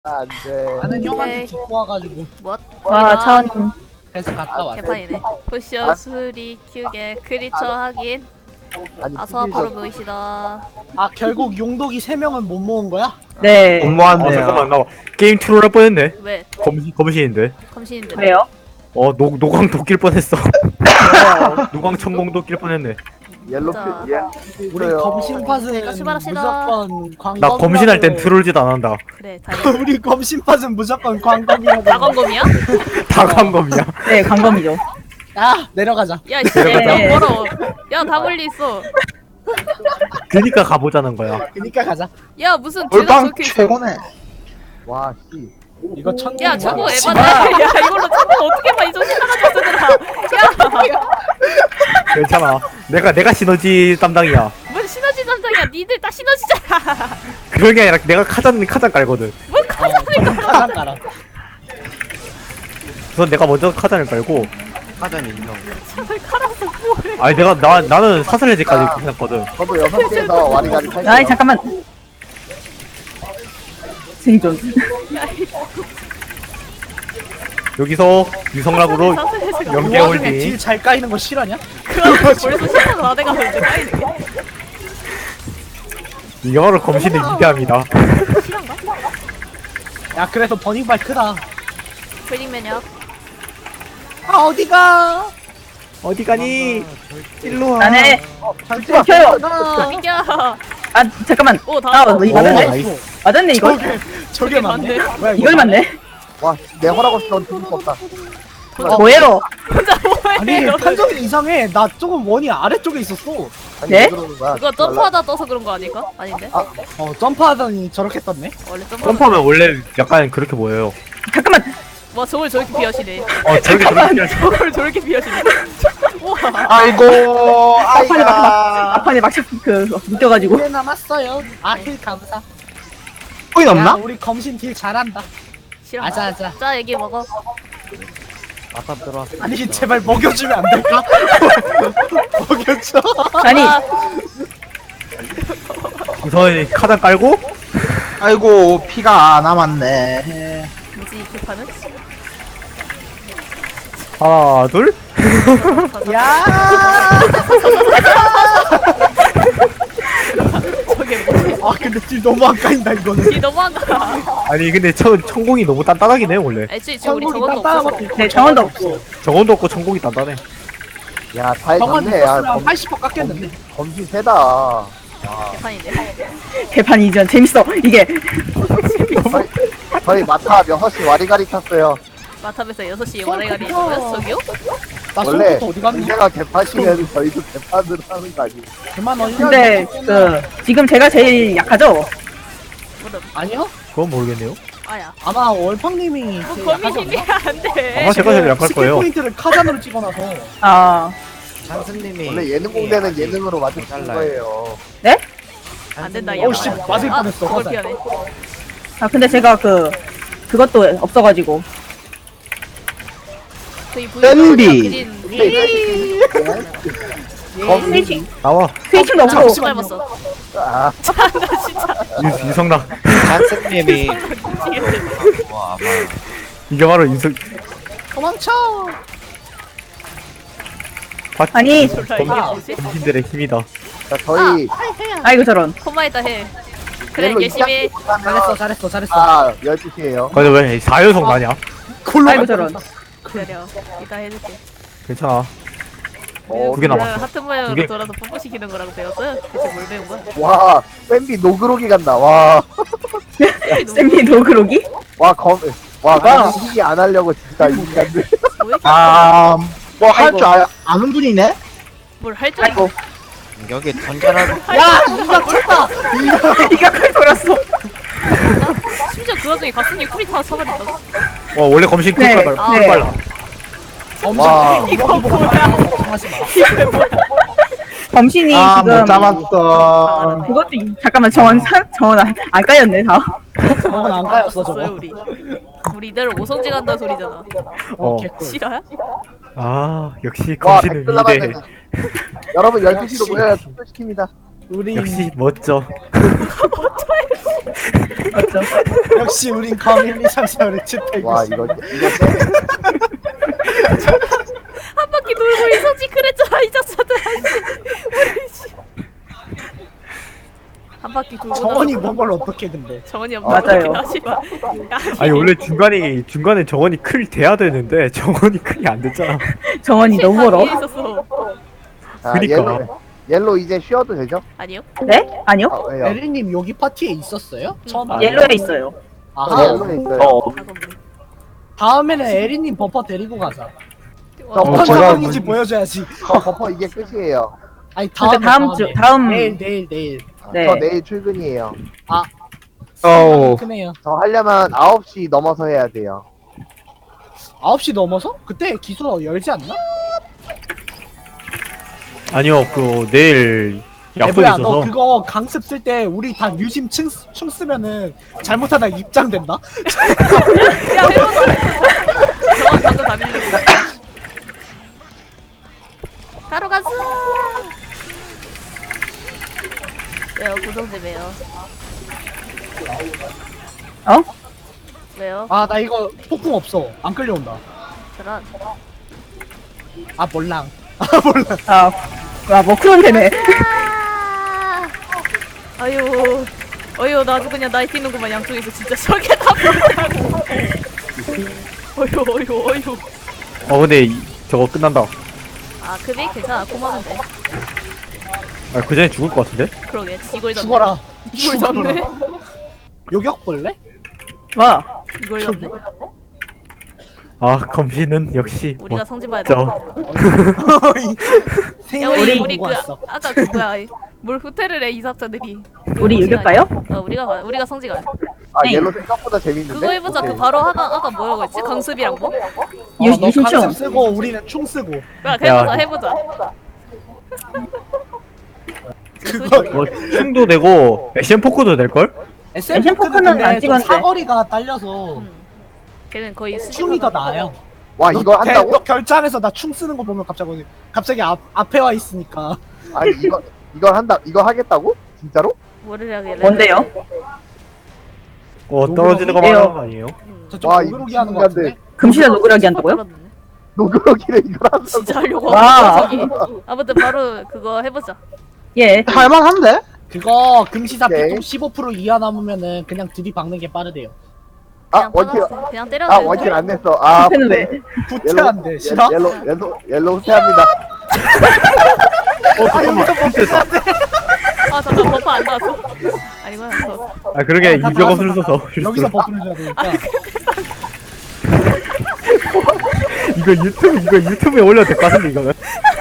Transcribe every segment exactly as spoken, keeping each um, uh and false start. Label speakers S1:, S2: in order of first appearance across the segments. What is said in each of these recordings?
S1: 안 돼.
S2: 나는 형한테
S3: 오케이.
S2: 듣고 와가지고
S3: 뭐?
S4: 와, 차원님.
S2: 그래서 갔다 왔어.
S3: 개판이네. 포션 수리 큐게 크리처 확인.
S1: 아니,
S3: 아서
S1: TV에서
S3: 바로 모이시다.
S2: 아 결국 용독이 세 명은 못 모은 거야?
S4: 네.
S5: 아
S6: 너무한데요.
S5: 잠깐만 나 게임 트롤 할 뻔했네.
S3: 왜?
S5: 검신 검신인데.
S3: 검신인데.
S4: 왜요?
S5: 어 노, 노광 도낄 뻔했어. 노광 천공 도낄 뻔했네.
S1: 옐로
S3: 자.
S1: 피, 예.
S2: 우리
S1: 있어요.
S2: 검신 팟은
S3: 네, 같이 말합시다.
S2: 무조건 광범.
S5: 나 검신할 땐 트롤짓 안 한다.
S3: 그래, 다행이다.
S2: 우리 검신 팟은 무조건 광범이라고.
S3: 다검검이야?
S5: 다 광검이야.
S4: 네, 광범이죠.
S2: 야 내려가자.
S3: 야, 씨,
S5: 내려가자.
S3: 너무 멀어. 야, 다 멀리 있어.
S5: 그니까 가보자는 거야.
S2: 그니까 가자.
S3: 야, 무슨 대답
S6: 올방
S3: 적혀 있어.
S6: 최고네.
S1: 와, 씨.
S2: 이거 천.
S3: 야, 저거 에바다. 야, 이걸로 저거 어떻게 봐? 이 정신 나가지고 쓰더라. 야,
S5: 괜찮아. 내가 내가 시너지 담당이야.
S3: 뭔 시너지 담당이야? 니들 다 시너지잖아.
S5: 그런 게 아니라 내가 카잔 카잔 깔거든.
S3: 뭔 카자니까.
S2: 가장 가라.
S5: 우선 내가 먼저 카잔을 깔고.
S6: 사전 인정.
S3: 칼아서 뭐해?
S5: 아니 내가 나 나는 사슬해지까지 끝났거든.
S1: 저도 여섯 개에서 와리가리 탈게요.
S4: 아이, 잠깐만. 생존.
S5: 여기서 유성락으로
S3: 사슬해서
S5: 연계
S2: 그 와중에
S5: 홀딩.
S2: 딜 잘 까이는 거 싫어냐?
S3: 그럼 벌써 시간 다 돼가서 이제 까이네.
S5: 이거로 검신을 위대합니다.
S3: 실한가?
S2: 야 그래서 버닝발 크다.
S3: 웨딩 매력.
S2: 아 어디가?
S5: 어디 가니? 일로 와.
S4: 나네.
S1: 잠시만.
S4: 켜요.
S3: 어, 미겨.
S4: 아, 잠깐만.
S3: 오, 다
S4: 아,
S3: 왔어.
S4: 이거 맞았네.
S5: 나이스.
S4: 맞았네, 이거.
S2: 저게 저게 맞네. 뭐야
S4: 이걸 맞네.
S1: 와, 내 허락 없이 넌 죽을 수 없다.
S4: 뭐예로?
S3: 혼자
S2: 아니
S3: 뭐해?
S2: 판정이 이상해. 나 조금 원이 아래쪽에 있었어.
S1: 아니,
S4: 네?
S1: 왜 그러는 거야?
S3: 그거 점프하다 떠서 그런 거 아닐까? 아닌데?
S2: 어 점프하더니 저렇게 떴네.
S3: 원래 점프.
S5: 점프하면 원래 약간 그렇게 보여요.
S4: 잠깐만.
S3: 와, 저걸 저렇게 비하시네.
S5: 어 저렇게 저렇게
S3: 저걸 저렇게 비하시네. 우와.
S6: 아이고,
S4: 앞판에 막, 막,
S6: 아이가.
S4: 앞판에 막, 그, 묶여가지고.
S2: 네 남았어요. 아힐 감사.
S6: 코인
S2: 야
S6: 없나?
S2: 우리 검신 딜 잘한다.
S3: 싫어.
S2: 아자 아자.
S3: 자, 얘기 먹어.
S1: 아까 들어왔어.
S2: 아니 제발 먹여주면 안 될까? 먹여줘.
S4: 아니,
S3: 아,
S5: 우선 카잔 깔고
S6: 아이고, 피가 남았네.
S3: 뭐지 이 개판은?
S5: 하나 둘.
S2: 야.
S3: 저게 뭐지?
S2: 아 근데 딜 너무 안 까인다 이거는.
S3: 이 너무한다.
S5: 아니 근데 천 천공이 너무 단단하긴 해 원래.
S3: 애초에 지금 우리
S2: 성공이
S3: 저것도
S2: 딴딴한
S3: 없어서.
S2: 것도
S4: 네, 정원도 없고.
S5: 정원도 없고 천공이 단단해.
S1: 야, 잘
S2: 정원
S1: 잡네. 야,
S2: 있었으면
S1: 검,
S2: 팔십 퍼센트 깎였는데.
S1: 검신 세다.
S3: 개판인데.
S4: 개판 이전. 재밌어. 이게.
S1: 저희, 저희 마타 여섯 시 와리가리 탔어요.
S3: 마탑에서 여섯 시에 와레가리 있어요? 저기요?
S2: 나
S1: 원래
S2: 손부터 어디 갔니?
S1: 상대가 개파시면 저희도 개판으로 하는 거 아니에요?
S2: 그만 어디
S4: 근데, 그, 지금 제가 제일 약하죠?
S2: 아니요?
S5: 그건 모르겠네요.
S3: 아야.
S2: 아마 월팡님이
S3: 뭐
S2: 제일
S3: 거미
S2: 약하지 않나?
S3: 힘이 안 돼.
S5: 아마 제가 제일 약할
S2: 스킬
S5: 거예요.
S2: 포인트를 카잔으로 찍어놔서.
S4: 아,
S6: 찬스님이.
S1: 원래 예능 공대는 예능으로 맞을 거예요.
S3: 안 된다, 얘.
S2: 어우, 씨, 맞을
S3: 아,
S2: 뻔했어,
S3: 그걸
S2: 화살.
S3: 피하네.
S4: 아, 근데 제가 그, 그것도 없어가지고.
S3: 저희
S6: 댄디.
S3: 부인
S4: 스위칭.
S5: 나와.
S4: 스위칭도 없고.
S3: 못 닮았어.
S1: 아,
S3: 나 진짜
S5: 유, 유성락.
S6: 찬스님이.
S3: 미치겠네.
S6: 와, 아마.
S5: 이게 바로 유성.
S2: 도망쳐!
S4: 아니,
S3: 졸라 이게 뭐지?
S5: 검신들의 힘이다.
S1: 자, 저희
S4: 아이고, 저런.
S3: 코마에다 해. 그래,
S1: 옐로
S3: 열심히 해.
S2: 잘했어, 잘했어, 잘했어.
S1: 아, 열두 시에요.
S5: 근데 왜 사연성 나냐?
S2: 골로
S4: 아이고,
S2: 갈
S4: 저런.
S2: 뻔했다.
S3: 기다려. 이따 해줄게.
S5: 괜찮아.
S1: 어,
S5: 두개
S3: 그냥
S5: 남았어.
S3: 하트
S5: 두
S3: 모양으로
S5: 개.
S3: 돌아서 뽀뽀시키는 거라고 배웠어요? 대체 뭘 배운 거야?
S1: 와, 샌비 노그로기 간다. 와,
S4: 쌤이 노그로기?
S1: 와, 검, 와,
S4: 와.
S1: 검신 안 하려고 진짜 인간들.
S3: 뭐 이렇게
S6: 아, 뭐 할 줄 아는 분이네?
S3: 뭘할 줄
S4: 아이고.
S6: 여기 던전하고.
S2: 야! 이거 쳤다!
S4: 이가 크게 돌았어.
S3: 심지어 그 와중에 가슴이 쿨이 다 쳐버렸다.
S5: 와 원래 검신
S4: 네,
S5: 쿨 빨라.
S3: 네.
S5: 쿨 빨라.
S1: 와.
S3: 이거 뭐야?
S2: 걱정하지 마.
S4: 범신이
S6: 아,
S4: 지금.
S6: 못 잡았어.
S4: 그것도, 이- 잠깐만, 정원, 사- 정원 안, 안 까였네, 다.
S2: 저건 안 까였어, 저거.
S3: 없어요, 우리. 우리 이대로 오성지 간다 소리잖아.
S5: 어.
S2: 개꿀.
S3: 싫어요?
S5: 아 역시
S1: 와,
S5: 검신은
S1: 댓글 남았네.
S5: 위대.
S1: 여러분 열두 시로 모여야 투표시킵니다.
S2: 우린
S5: 역시 멋져.
S4: 맞죠?
S2: 역시 우린 가밀리 삼사를 집행.
S1: 와 이거 이거
S3: 한 바퀴 돌고 있었지 그랬잖아 이 자식들. 한 바퀴 돌고
S2: 정원이
S3: 나서
S2: 뭔 걸 어떻게 근데?
S3: 정원이 없는
S4: 맞아요.
S3: 하지마.
S5: 아니 원래 중간에 중간에 정원이 클 돼야 되는데 정원이 클이 안 됐잖아.
S4: 정원이 너무 멀어.
S3: 있었어.
S1: 아,
S5: 그니까.
S1: 옐로 옐로 이제 쉬어도 되죠?
S3: 아니요?
S4: 네? 아니요?
S1: 아, 왜요?
S2: 에리님 여기 파티에 있었어요? 처음 알아요.
S4: 옐로에 있어요.
S1: 아,
S2: 아하.
S1: 옐로에 있어요.
S5: 어.
S2: 다음에는 에리님 버퍼 데리고 가자.
S1: 저
S2: 어떤
S1: 제가
S2: 상황인지 보여줘야지.
S1: 저 버퍼 이게 끝이에요.
S2: 아니
S4: 근데
S2: 다음에,
S4: 다음 주 다음
S2: 내일 내일 내일.
S4: 네.
S1: 저 내일 출근이에요.
S2: 아.
S6: 어우.
S2: 크네요.
S1: 저 하려면 아홉 시 넘어서 해야 돼요.
S2: 아홉 시 넘어서? 그때 기수 열지 않나?
S5: 아니요 그 내일 약속이
S2: 에브야 너
S5: 있어서.
S2: 그거 강습 쓸 때 우리 다 유심 층, 춤 쓰면은 잘못하다 입장된다?
S3: 야 해보자. 정원 방금 다 밀렸어. 바로 가자. 왜요? 고정지 왜요?
S4: 어?
S3: 왜요?
S2: 아 나 이거 폭풍 없어 안 끌려온다.
S3: 저런.
S2: 아 몰랑. 아 몰랑.
S4: 아, 아 머크론 되네.
S3: 아! 아유, 어휴, 나 아주 그냥 나이 뛰는구만, 양쪽에서 진짜 저게 다 뭐라고. 어휴, 어휴, 어휴.
S5: 어 근데 이, 저거 끝난다.
S3: 아, 급이 괜찮아, 고마운데.
S5: 아, 그 전에 죽을 것 같은데?
S3: 그러게, 이걸 잡네.
S2: 죽어라.
S3: 이걸 잡네.
S2: 요격 볼래?
S4: 와,
S3: 이걸 잡네.
S5: 아 검신은 역시
S3: 우리가 성질 봐야 돼.
S5: 멋져.
S3: 야, 우리,
S2: 생일이
S3: 우리
S2: 보고
S3: 그,
S2: 왔어.
S3: 아까 그 뭐야, 뭘 호텔을 해, 이삭자들이.
S4: 우리 이길까요?
S3: 어, 우리가, 가- 우리가 성지가.
S1: 아
S4: 네.
S1: 옐로 생각보다 재밌는데?
S3: 그거 해보자,
S1: 오케이.
S3: 그 바로 아까, 아까 뭐라고 했지? 강습이랑 뭐?
S4: 유-
S2: 어, 너
S4: 유심충.
S2: 강습 쓰고 우리는 충 쓰고.
S3: 야, 해보자, 해보자.
S2: 그거
S5: 뭐 춤도 되고 액션 포크도 될 걸?
S2: 에스엠
S4: 에스엠
S2: 포크는
S4: 포크는 안
S2: 근데 좀
S4: 찍었는데.
S2: 사거리가 딸려서
S3: 음. 걔는 거의
S2: 충이 더 나아요.
S1: 와 이거
S2: 너 개-
S1: 한다고?
S2: 너 결장에서 나 충 쓰는 거 보면 갑자기 갑자기 앞 앞에 와 있으니까.
S1: 아니 이거 이걸 한다 이거 하겠다고? 진짜로?
S3: 뭐를 해야겠래?
S4: 뭔데요?
S5: 어 떨어지는 거
S4: 왜요?
S5: 말하는 거 아니에요?
S3: 음.
S2: 저쪽
S1: 와,
S2: 오그로기
S1: 이거
S2: 하는 거 같은데.
S1: 신기한데.
S4: 금시나 노그라기 한다고요?
S3: 떨어졌네.
S1: 노그러기를 이걸 한다고?
S3: 진짜 하려고
S4: 와.
S3: 하고 저기. 아무튼 바로 그거 해보자.
S4: 예.
S6: 할만한데?
S2: 그거 금시사
S1: 오케이.
S2: 비통 십오 퍼센트 이하 남으면은 그냥 들이박는 게 빠르대요.
S1: 아
S3: 그냥
S1: 원킬
S3: 떨어졌어. 그냥 때려도
S1: 아
S3: 되는데.
S1: 원킬 안 냈어. 아
S4: 는 왜?
S2: 후퇴한데 싫어?
S1: 옐로 옐로 옐로 후퇴합니다.
S5: 어 잠깐만.
S3: 아 잠깐 버퍼 안 나왔어. 아니구나. 저.
S5: 아 그러게
S2: 다
S5: 유격
S2: 나왔어.
S5: 없을 써서
S2: 여기서 버프를 줘야 되니까.
S5: 이거 유튜브 이거 유튜브에 올려도 될 것 같은데 이거는.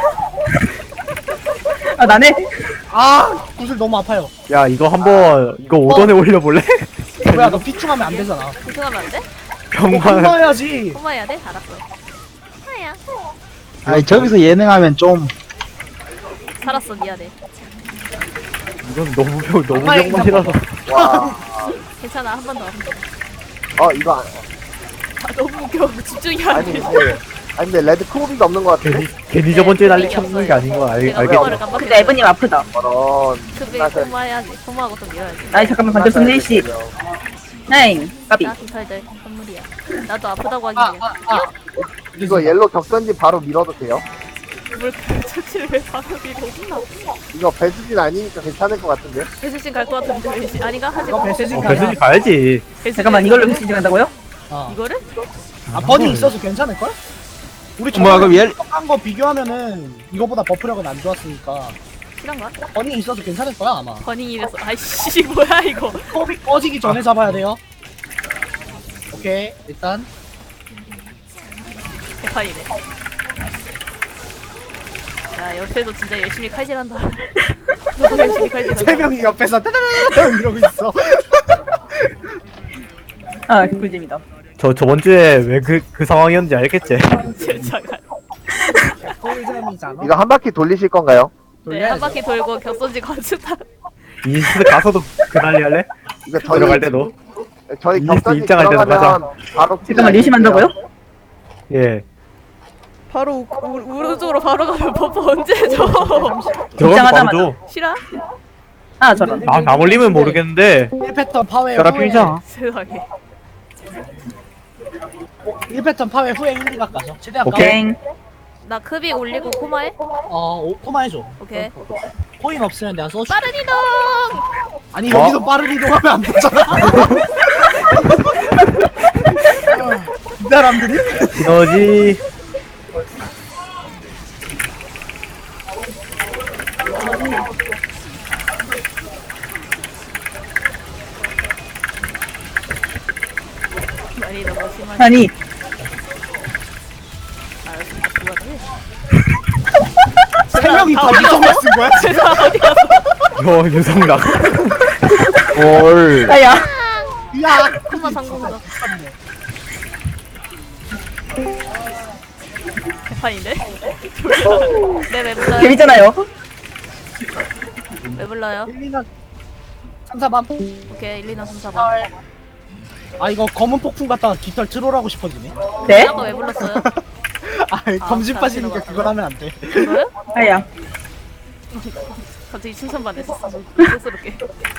S4: 아 나네.
S2: 아 구슬 너무 아파요.
S5: 야 이거 한번 이거 오던에 올려볼래?
S2: 뭐야 너 피충하면 안 되잖아.
S3: 구승하면 안 돼?
S5: 병만.
S2: 혼나야지.
S3: 꼬마야 돼? 알았어. 하야.
S6: 아니 저기서 예능하면 좀
S3: 살았어 미안해.
S5: 이건 너무 병 너무
S2: 엄마의
S5: 병만이라서.
S1: 와.
S3: 괜찮아 한 번 더.
S1: 어 이거 안-
S3: 아 너무 웃겨. 집중이 안
S1: 아니
S3: 돼.
S1: 근데 아니 근데 레드 크로비가 없는 것 같은데?
S5: 괜히 괜히 저번 주에 난리 쳤는 게 아닌 거 알,
S3: 내가
S5: 알겠지?
S3: 꼬마를 깜빡했어.
S4: 근데 에브님 아프다.
S1: 저런.
S3: 급이
S1: 끝나서-
S3: 꼬마야지. 꼬마하고 좀 밀어야지.
S4: 아이 잠깐만 반대 손 일시. 나인. 까비.
S3: 나 깃털들 선물이야. 나도 아프다고 하긴
S2: 아
S3: 해.
S2: 아 아.
S1: 이거 옐로 격전지 바로 밀어도 돼요?
S3: 뭘 처치를 왜 바로 밀어?
S1: 이거 배수진 아니니까 괜찮을 것 같은데?
S3: 배수진 갈 것 같은데 왜 시- 아닌가? 하지
S2: 이거
S3: 마.
S2: 배세진
S5: 어,
S2: 가야.
S5: 배수지 가야지.
S3: 배수진
S4: 잠깐만 이걸로 미시 간다고요?
S2: 어.
S3: 이거를?
S2: 아 버닝 있어서 괜찮을 걸? 우리
S6: 뭐야, 그럼 얘-
S2: 한거 비교하면은 이거보다 버프력은 안 좋았으니까
S3: 실한가?
S2: 버닝 있어서 괜찮을 거야 아마.
S3: 버닝이라서 아이씨 뭐야 이거.
S2: 컵이 꺼지기 전에 잡아야 돼요. 오케이 일단
S3: 대판이네. 야 옆에도 진짜 열심히 칼질한다. 너도 열심히
S2: 세
S3: 칼질한다.
S2: 명이 옆에서 따다다다다 이러고 있어.
S4: 아 꿀잼이다.
S5: 저 저번 주에 왜 그 그 상황이었는지 알겠지?
S3: 진짜.
S2: 꿀잼이잖아.
S1: 이거 한 바퀴 돌리실 건가요?
S3: 네, 한 바퀴 돌고 격선지 건축다.
S5: 인스트 가서도 그 난리 할래?
S1: 이거 저희
S5: 들어갈 때도.
S1: 저희
S5: 이리스
S1: 격전지
S5: 입장할 때도
S1: 들어가면 바로
S4: 잠깐만 리심한다고요?
S5: 예.
S3: 바로 우, 오른쪽으로 바로 가면 버퍼 언제 줘?
S5: 저거
S4: 입장하자마자.
S5: 바로 줘.
S3: 싫어?
S4: 아 저런.
S5: 아, 나 올리면 모르겠는데.
S2: 일 패턴 파괴
S5: 혈압
S2: 후에
S5: 필자.
S3: 세상에.
S2: 일 패턴 파괴 후에 일, 이각 가죠. 최대한
S5: 오케이.
S4: 땡.
S3: 나 급이 올리고 코마해?
S2: 가. 어, 오, 코마 해줘.
S3: 오케이.
S2: 코인 없으면 내가 써줄게.
S3: 빠른 이동!
S2: 아니 여기서 빠른 이동하면 안 되잖아. 이 사람들이?
S5: 너지.
S3: 아니 너무 심하네.
S4: 아니
S3: 알았습니다. 그거네.
S2: 세 명이 다 이동을 쓴 거야?
S3: 세상 어디 갔어?
S5: 너 유성락.
S6: 뭘.
S4: 아야.
S2: 야,
S3: 코마 성공적. 개판인데? 네, 왜 불러요?
S4: 재밌잖아요.
S3: 왜 불러요?
S2: 일, 이나 삼, 사밤.
S3: 오케이, 일, 이, 삼, 사 번.
S2: 아 이거 검은 폭풍 갖다가 깃털 트롤하고 싶어지네.
S4: 네?
S3: 아까 왜 불렀어요?
S2: 아 검진
S3: 아,
S2: 빠지니까
S3: 들어갔구나.
S2: 그걸 하면 안 돼.
S3: 그거요?
S4: 아야.
S3: 갑자기 칭찬받았어. 쑥스럽게.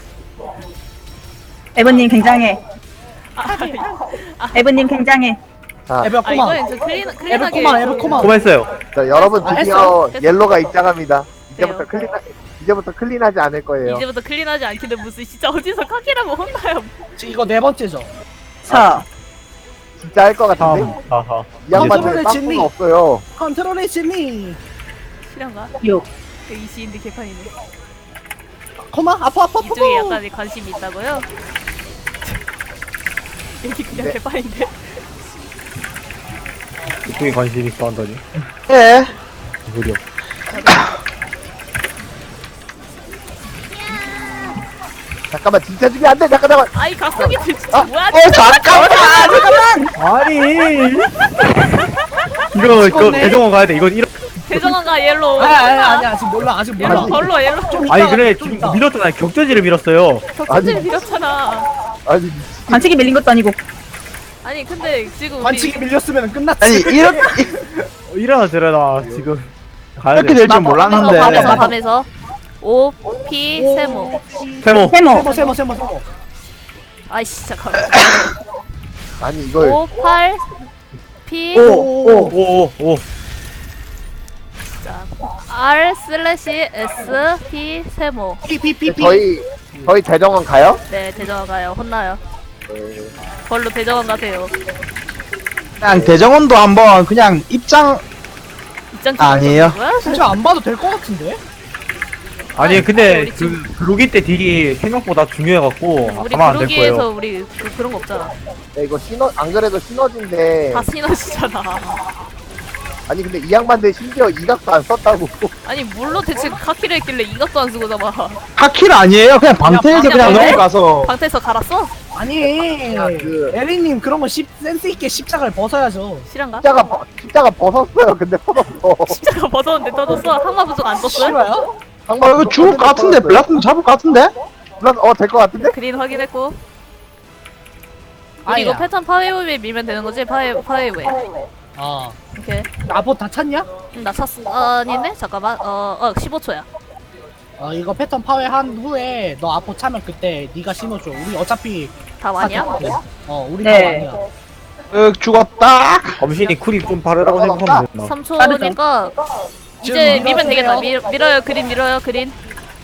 S4: 에버님 굉장해.
S3: 아,
S4: 에버님 굉장해.
S1: 자,
S2: 에버
S3: 아
S2: 코마.
S3: 이거 저 클린,
S2: 에버
S3: 클린하게.
S2: 코마, 에버 코마.
S5: 고마했어요.
S1: 자, 여러분
S2: 아,
S1: 드디어
S3: 했어?
S1: 옐로가 입장합니다. 이제부터
S3: 돼요.
S1: 클린 이제부터 클린하지 않을 거예요.
S3: 이제부터 클린하지 않긴데 무슨 진짜 어디서 카키라고 혼나요?
S2: 지금 이거 네 번째죠.
S4: 자.
S1: 진짜 할 것 같은데?
S5: 삼, 사하.
S1: 이 양반들
S2: 컨트롤의 진리.
S1: 빵꾸가 없어요.
S2: 컨트롤의 진리.
S3: 실한가?
S4: 육.
S3: 그 이시인데 개판이네.
S2: 코마 아파 아파 아파.
S3: 이쪽에 약간 관심이 있다고요? 여기 그냥
S1: 네.
S3: 개판인데.
S5: 이쪽에 관심 있어 한다니.
S6: 예.
S5: 무려.
S1: 잠깐만 진짜 죽이 안 돼. 잠깐 잠깐.
S3: 아이 각성이들 진짜
S1: 아,
S3: 뭐야?
S6: 어, 잠깐만!
S5: 아니. 이거 이거
S2: 죽었네.
S5: 대정원 가야 돼. 이건 이런.
S3: 대정원가 옐로우.
S2: 아니 아니 아니 아직 몰라 아직 몰라.
S3: 옐로우 걸로 옐로우.
S5: 아니
S2: 이따가,
S5: 그래
S2: 좀
S5: 지금
S2: 이따.
S5: 밀었잖아. 격전지를 밀었어요.
S3: 격전지를
S1: 아니.
S3: 밀었잖아.
S1: 아니
S4: 반칙이 밀린 것도 아니고.
S3: 아니 근데 지금 우리
S2: 반칙이 밀렸으면 끝났지.
S6: 아니, 이렇게,
S5: 어, 일어나 들어나 지금 가야
S6: 이렇게
S5: 돼.
S6: 될 줄
S3: 밤에서
S6: 몰랐는데.
S3: 밤에서 밤에서 오 피 세모.
S5: 세모.
S4: 세모.
S2: 세모 세모 세모 세모.
S3: 아이씨 잠깐만.
S1: 아니 이걸
S3: 오 팔 피
S5: 오오오.
S3: 자 R 슬래시 S P 세모.
S2: 피피피피.
S1: 저희 저희 대정원 가요?
S3: 네 대정원 가요. 혼나요. 걸로 대정원 가세요.
S6: 그냥 대정원도 한번 그냥 입장,
S3: 입장
S6: 아니에요.
S3: 뭐야?
S2: 진짜 안 봐도 될 것 같은데?
S5: 아니 근데
S3: 우리
S5: 그 그로기 때 딜이 생각보다 중요해갖고
S3: 우리
S5: 가만 안 될
S3: 그루기에서
S5: 거예요.
S3: 우리 그, 그런 거 없잖아.
S1: 네, 이거 시너 안 그래도 시너지인데
S3: 다 시너지잖아.
S1: 아니 근데 이 양반들 심지어 이각도 안 썼다고.
S3: 아니 뭘로 대체 카키를 했길래 이각도 안 쓰고 잡아.
S6: 하킬 아니에요? 그냥 방태에서
S3: 그냥
S6: 그냥
S3: 방태?
S6: 넘어가서.
S3: 방태에서 갈았어?
S2: 아니
S1: 야, 그-
S2: 에리님 그런 거 십, 센스 있게 십자가를 벗어야죠.
S3: 실한가?
S1: 십자가 벗- 십자가 벗었어요. 근데 터졌어.
S3: 십자가 벗었는데 떠졌어? 항마 부족 안 떴어요?
S2: 싫어요?
S6: 어, 이거 죽을 것 같은데? 블라스는 잡을 것 같은데?
S1: 물론 어될 것 같은데?
S3: 그린 확인했고. 우리
S2: 아니야.
S3: 이거 패턴 파웨이웨이 밀면 되는 거지? 파웨, 파웨이웨이.
S2: 어.
S3: 오케이.
S2: 나보 다 찼냐?
S3: 응, 나 찼어. 어, 아니네? 잠깐만. 어, 어, 십오 초야.
S2: 어 이거 패턴 파괴 한 후에 너 아포 차면 그때 네가 심어줘. 우리 어차피
S3: 다 완이야?
S2: 다 됐거든. 어 우리
S4: 네.
S2: 다 완이야.
S6: 으, 죽었다.
S5: 검신이 쿨이 좀 바르라고 생각하면 되나?
S3: 삼 초니까 이제
S2: 지금
S3: 밀면 되겠다.
S2: 밀어주세요.
S3: 밀, 밀어요. 그린 밀어요. 그린.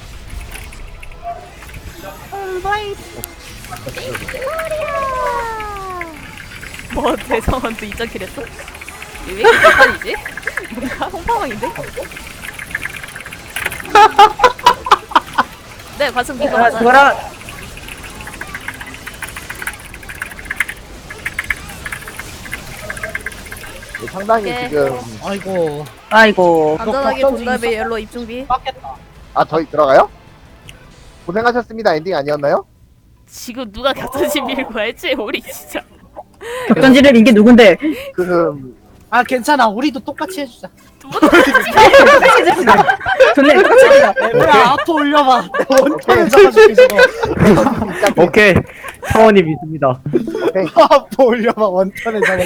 S3: 뭐 대성원도 이점킬 했어? 왜 이렇게 대판이지? 뭔가 홍파왕인데? 네, 관승 이거
S4: 아,
S3: 맞아요.
S4: 그거랑
S1: 상당히
S3: 네.
S1: 지금
S2: 아이고
S4: 아이고.
S3: 안전하게
S2: 격전지
S3: 본 다음에
S2: 있어?
S3: 옐로 입중비.
S2: 빡겠다.
S1: 아 저희 들어가요? 고생하셨습니다. 엔딩 아니었나요?
S3: 지금 누가 격전지 밀고 했지? 우리 진짜.
S4: 격전지를 이게 누군데?
S1: 그
S2: 아 괜찮아. 우리도 똑같이 해주자.
S4: 좋네. 격전지가.
S2: 야 아포 올려봐. 원탄을 잡아줄게 저거.
S5: 오케이 차원이 믿습니다.
S2: 아포 올려봐. 원탄을 잡아.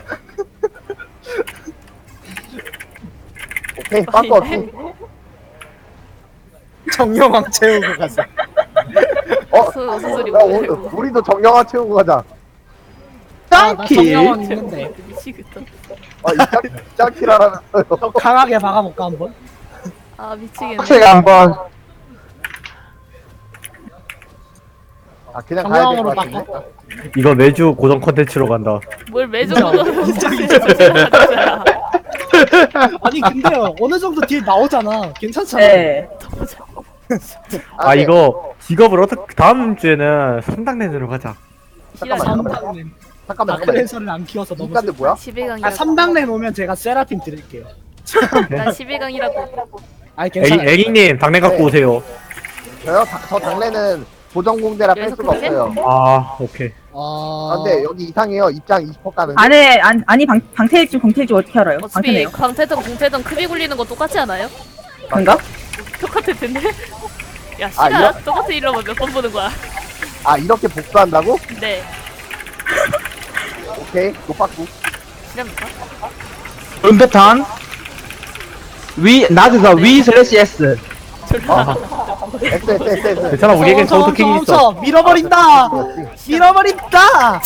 S1: 오케이 빠꾸 없이
S2: 정령왕 채우고 가자.
S1: 어?
S3: 무슨 무슨 소리
S1: 야, 우리, 우리도 정령화 채우고 가자.
S2: 아, 나
S6: 짱키.
S2: 정령왕 있는데.
S3: 미치겠다.
S1: 아, 이 짝, 짝키라라면서요.
S2: 좀 강하게 박아볼까 한번?
S3: 아 미치겠네.
S6: 학생 한번.
S1: 아, 그냥 가야 될
S2: 정령왕으로
S1: 것 같은데?
S2: 바꿔.
S5: 이거 매주 고정 컨텐츠로 간다.
S3: 뭘 매주
S2: 인정,
S3: 보던
S2: 인정, 아니 근데 어느 정도 딜 나오잖아. 괜찮잖아.
S4: 네.
S5: 아
S1: 네.
S5: 이거 직업을 어떻게 다음 주에는 삼당 내내로 가자.
S1: 잠깐만,
S2: 삼당렌.
S1: 잠깐만, 잠깐만.
S2: 다크랜서를 안 키워서 너무.
S1: 인간들 뭐야?
S3: 십일 강이라고.
S2: 아 삼당렌 오면 제가 세라핌 드릴게요.
S3: 난 십일 강이라고.
S2: 아니
S5: 에리,
S2: 괜찮아.
S5: 에리님 당내 갖고
S1: 네.
S5: 오세요.
S1: 저요? 다, 저 당래는 고정공대라 뺄
S3: 여기서
S1: 수가
S3: 그렇게?
S1: 없어요.
S5: 아 오케이.
S2: 어...
S1: 아, 근데 여기 이상해요. 입장 이십 퍼센트 가는.
S4: 안에 안, 아니 방, 방태일지 공태일지 어떻게 알아요?
S3: 어차피
S4: 방태네요.
S3: 광태든 공태든 크비 굴리는 거 똑같지 않아요?
S4: 그런가?
S3: 똑같을 텐데. 야
S1: 아,
S3: 시간
S1: 이거-
S3: 똑같은 일러면 몇 번 보는 거야?
S1: 아, 이렇게 복수한다고?
S3: 네.
S1: 오케이. 노빠꾸.
S3: 실합니까?
S6: 은패턴. 위, 낮에서 위 슬래시 S.
S3: 졸라.
S1: S, S, S, S.
S5: 괜찮아 우리에겐
S2: 멈춰,
S5: 카운터 킥이
S2: 멈춰,
S5: 있어.
S2: 멈춰. 밀어버린다. 밀어버린다.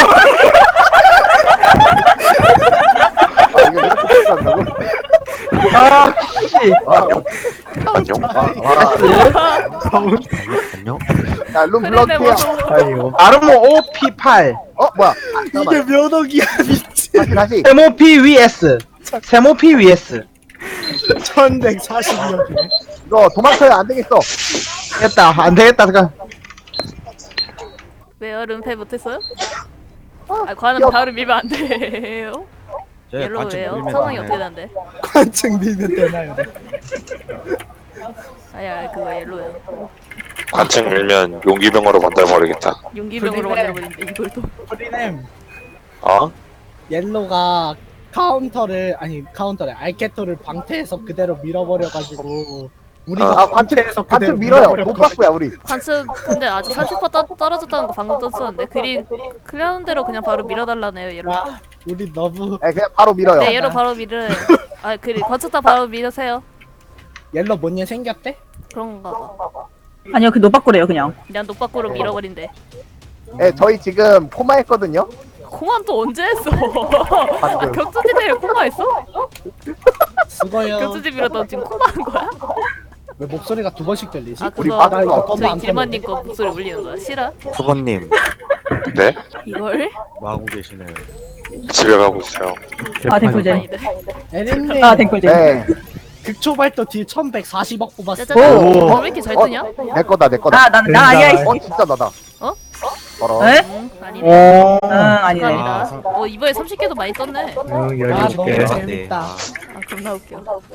S1: 아, 이거 이렇게 복수한다고?
S6: 아, 씨.
S1: 와,
S7: 안녕?
S1: 와.
S7: 안녕?
S1: 야, 룸
S3: 그래 내
S1: 블럭이야.
S3: 모습.
S5: 아이고.
S6: 아르모 오피팔.
S1: 어, 뭐야?
S2: 이게
S1: 잠깐만.
S2: 면허기야 미친.
S1: 다시, 다시.
S6: 세모피 위에스. 세모피 위에스.
S2: 천백사십여개.
S1: 이거 도망쳐야 안 되겠어.
S6: 됐다. 안 되겠다. 잠깐.
S3: 왜 얼음패 못했어요? 아 과는
S1: 귀여워.
S3: 다음 밀면 안 돼요. 옐로우 왜요? 상황이 어떻게 난데?
S2: 관측 밀면 되나요?
S3: 아야 그거 옐로우야.
S7: 관측 밀면 용기병으로 만들어버리겠다.
S3: 용기병으로
S2: 그래.
S3: 만들어버린대 이걸 또.
S2: 프리넴
S7: 어?
S2: 옐로가 카운터를 아니 카운터를 알케토를 방패에서 그대로 밀어버려가지고 우리가
S1: 아, 관측,
S2: 방패에서
S1: 관측
S2: 그대로
S1: 밀어요.
S2: 밀어버렸거든.
S1: 노빠꾸야, 우리.
S3: 관측 근데 아직 삼십 퍼센트 떨어졌다는 거 방금 떴었는데 그리 그런 대로 그냥 바로 밀어달라네요 옐로우.
S2: 와, 우리 너무
S1: 예, 그냥 바로 밀어요.
S3: 네 옐로우 바로 밀을. 아 그리 관측 다 바로 밀으세요.
S2: 옐로 뭔일 생겼대?
S3: 그런가 봐.
S4: 아니요, 그 노빠꾸래요, 그냥.
S3: 그냥 녹박구로 밀어버린대.
S1: 예, 저희 지금 코마 했거든요.
S3: 공항 또 언제 했어? 아
S1: 방금.
S3: 격투지 대회 코마 했어?
S2: 수고요.
S3: 격투지 밀었던 지금 코마 한 거야?
S2: 왜 목소리가 두 번씩 들리지?
S3: 아
S1: 우리
S3: 그거
S1: 바닥 이거
S2: 껌도
S3: 저희
S2: 안
S3: 길만님 거 목소리 울리는 거야? 싫어?
S7: 수건님 네?
S3: 이걸?
S7: 뭐 하고 계시나요? 집에 가고 있어요.
S4: 아, 댕꿀잼.
S3: 아니들.
S2: 에린님
S4: 아, 댕꿀잼.
S1: 네.
S2: 극초발도 딜 천백사십억 뽑았어.
S3: 짜자잔.
S5: 오.
S3: 어, 왜 이렇게 잘 뜨냐?
S1: 내 거다, 내 거다.
S4: 나, 나, 나 아니야, 이씨.
S1: 어, 진짜 나다.
S3: 어?
S1: 어라.
S4: 에?
S3: 응 아니네.
S6: 오.
S4: 응, 아니네.
S3: 감사합니다. 어 이번에 삼십 개도 많이 떴네.
S5: 응
S2: 아
S5: 열여섯
S2: 너무
S5: 개.
S2: 재밌다.
S3: 아 겁나 웃겨.